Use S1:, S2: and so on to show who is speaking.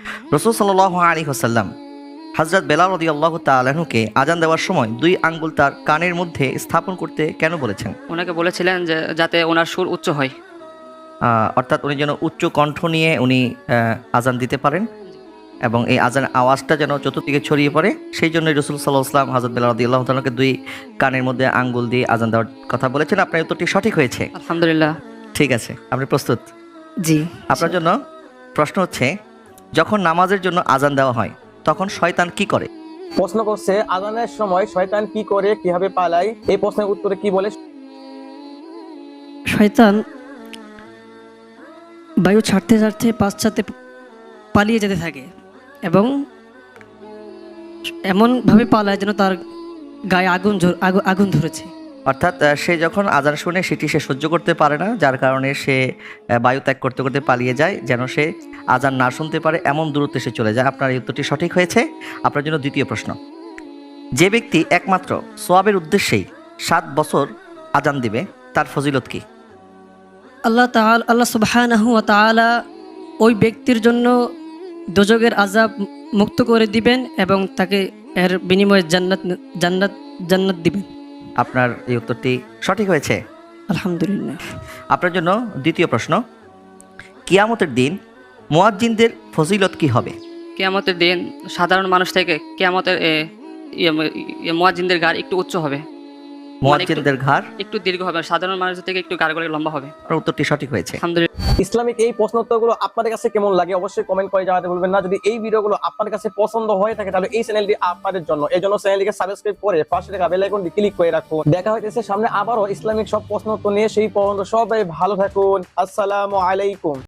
S1: রাসূল সাল্লাল্লাহু আলাইহি ওয়াসাল্লাম হযরত বেলাল রাদিয়াল্লাহু তাআলা আনহুকে আজান দেওয়ার সময় 2 আঙ্গুল তার কানের মধ্যে স্থাপন করতে কেন বলেছেন?
S2: ওনাকে বলেছিলেন যে যাতে ওনার সুর উচ্চ হয়।
S1: অর্থাৎ উনি যেন উচ্চ কণ্ঠ নিয়ে উনি আজান দিতে পারেন এবং এই আজানের আওয়াজটা যেন চতুর্দিকে ছড়িয়ে পড়ে, সেই জন্য রাসূল সাল্লাল্লাহু আলাইহি ওয়াসাল্লাম হযরত বেলাল রাদিয়াল্লাহু তাআলাকে 2 কানের মধ্যে আঙ্গুল দিয়ে আজান দেওয়ার কথা বলেছেন। আপনার উত্তরটি সঠিক হয়েছে।
S2: আলহামদুলিল্লাহ।
S1: ঠিক আছে, আপনি প্রস্তুত?
S3: জি।
S1: আপনার জন্য প্রশ্ন হচ্ছে, যখন নামাজের জন্য আজান দেওয়া হয় তখন শয়তান কি করে?
S4: প্রশ্ন করছে আজানের সময় শয়তান কি করে, কিভাবে পালায়? এই প্রশ্নের উত্তরে কি বলে?
S3: শয়তান বায়ু ছাড়তে ছাড়তে পাশ্চাত্যে পালিয়ে যেতে থাকে এবং এমনভাবে পালায় যেন তার গায়ে আগুন ধরেছে।
S1: অর্থাৎ সে যখন আজান শুনে সেটি সে সহ্য করতে পারে না, যার কারণে সে বায়ু ত্যাগ করতে করতে পালিয়ে যায় যেন সে আজান না শুনতে পারে, এমন দূরত্বে সে চলে যায়। আপনার এই উত্তরটি সঠিক হয়েছে। আপনার জন্য দ্বিতীয় প্রশ্ন, যে ব্যক্তি একমাত্র সোয়াবের উদ্দেশ্যেই 7 বছর আজান দিবে তার ফজিলত কি?
S3: আল্লাহ সুবহানাহু ওয়া তাআলা ওই ব্যক্তির জন্য দোজখের আযাব মুক্ত করে দিবেন এবং তাকে এর বিনিময়ে জান্নাত দিবেন।
S1: আপনার এই উত্তরটি সঠিক হয়েছে।
S3: আলহামদুলিল্লাহ।
S1: আপনার জন্য দ্বিতীয় প্রশ্ন, কিয়ামতের দিন মুয়াজ্জিনদের ফজিলত কি হবে?
S2: কিয়ামতের দিন সাধারণ মানুষ থেকে কিয়ামতের মুয়াজ্জিনদের গাড় একটু উচ্চ হবে,
S1: মুয়াজ্জিনদের ঘাড়
S2: একটু দীর্ঘ হবে, সাধারণ মানুষের থেকে একটু গাড়গুলো লম্বা হবে।
S1: আপনার উত্তরটি সঠিক হয়েছে।
S2: আলহামদুলিল্লাহ।
S4: ইসলামিক এই প্রশ্ন উত্তরগুলো আপনাদের কাছে কেমন লাগে অবশ্যই কমেন্ট করে জানাতে ভুলবেন না। যদি এই ভিডিওগুলো আপনাদের কাছে পছন্দ হয়ে থাকে তাহলে এই চ্যানেলটি আপনাদের জন্য, এই জন্য চ্যানেলটিকে সাবস্ক্রাইব করে পাশে থাকা বেল আইকনটি ক্লিক করে রাখুন। দেখা হইতেছে সামনে আবারও ইসলামিক সব প্রশ্ন উত্তর নিয়ে। সেই পর্যন্ত সবাই ভালো থাকুন। আসসালামু আলাইকুম।